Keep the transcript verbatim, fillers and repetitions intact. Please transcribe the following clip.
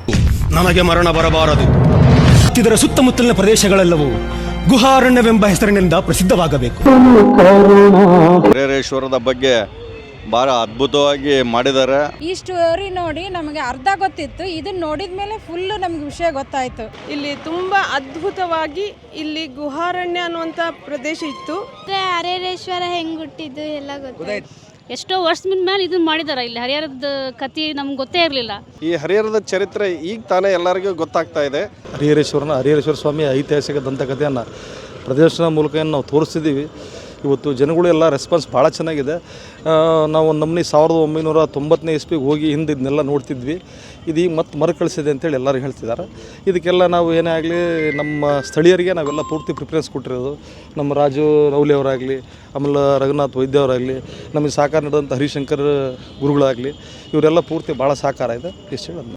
ನಮಗೆ ಮರಣ ಬರಬಾರದು. ಇದರ ಸುತ್ತಮುತ್ತಲಿನ ಪ್ರದೇಶಗಳೆಲ್ಲವೂ ಗುಹಾರಣ್ಯವೆಂಬ ಹೆಸರಿನಿಂದ ಪ್ರಸಿದ್ಧವಾಗಬೇಕು. ಹರಿಹರೇಶ್ವರದ ಬಗ್ಗೆ ಭಾಳ ಅದ್ಭುತವಾಗಿ ಮಾಡಿದ್ದಾರೆ. ಈ ಸ್ಟೋರಿ ನೋಡಿ ನಮಗೆ ಅರ್ಧ ಗೊತ್ತಿತ್ತು, ಇದನ್ನ ನೋಡಿದ ಮೇಲೆ ಫುಲ್ ನಮ್ಗೆ ವಿಷಯ ಗೊತ್ತಾಯ್ತು. ಇಲ್ಲಿ ತುಂಬಾ ಅದ್ಭುತವಾಗಿ ಇಲ್ಲಿ ಗುಹಾರಣ್ಯ ಅನ್ನುವಂಥ ಪ್ರದೇಶ ಇತ್ತು. ಹರಿಹರೇಶ್ವರ ಹೆಂಗ್ ಹುಟ್ಟಿದ್ದು ಎಲ್ಲ ಗೊತ್ತಾಯ್ತು. ಎಷ್ಟೋ ವರ್ಷದ ಮೇಲೆ ಇದನ್ನ ಮಾಡಿದಾರೆ. ಇಲ್ಲಿ ಹರಿಹರದ ಕಥೆ ನಮ್ಗೆ ಗೊತ್ತೇ ಇರಲಿಲ್ಲ. ಈ ಹರಿಹರದ ಚರಿತ್ರೆ ಈಗ ತಾನೇ ಎಲ್ಲರಿಗೂ ಗೊತ್ತಾಗ್ತಾ ಇದೆ. ಹರಿಹರೇಶ್ವರನ ಹರಿಹರೇಶ್ವರ ಸ್ವಾಮಿ ಐತಿಹಾಸಿಕ ದಂತಕಥೆಯನ್ನು ಪ್ರದರ್ಶನ ಮೂಲಕ ಏನು ನಾವು ತೋರಿಸ್ತಿದ್ದೀವಿ. ಇವತ್ತು ಜನಗಳು ಎಲ್ಲ ರೆಸ್ಪಾನ್ಸ್ ಭಾಳ ಚೆನ್ನಾಗಿದೆ. ನಾವು ಒಂದು ನಮ್ಮನೆ ಸಾವಿರದ ಒಂಬೈನೂರ ತೊಂಬತ್ತನೇ ಇಸ್ವಿಗೆ ಹೋಗಿ ಹಿಂದೆ ಇದನ್ನೆಲ್ಲ ನೋಡ್ತಿದ್ವಿ. ಇದೀಗ ಮತ್ತೆ ಮರುಕಳಿಸಿದೆ ಅಂತೇಳಿ ಎಲ್ಲರೂ ಹೇಳ್ತಿದ್ದಾರೆ. ಇದಕ್ಕೆಲ್ಲ ನಾವು ಏನೇ ಆಗಲಿ ನಮ್ಮ ಸ್ಥಳೀಯರಿಗೆ ನಾವೆಲ್ಲ ಪೂರ್ತಿ ಪ್ರಿಫರೆನ್ಸ್ ಕೊಟ್ಟಿರೋದು. ನಮ್ಮ ರಾಜು ರೌಲಿ ಅವರಾಗಲಿ, ಆಮೇಲೆ ರಘುನಾಥ್ ವೈದ್ಯ ಅವರಾಗಲಿ, ನಮಗೆ ಸಹಕಾರ ನೀಡಿದಂಥ ಹರಿಶಂಕರ್ ಗುರುಗಳಾಗಲಿ, ಇವರೆಲ್ಲ ಪೂರ್ತಿ ಭಾಳ ಸಹಕಾರ ಇದೆ. ಇಷ್ಟು ಹೇಳೋದು.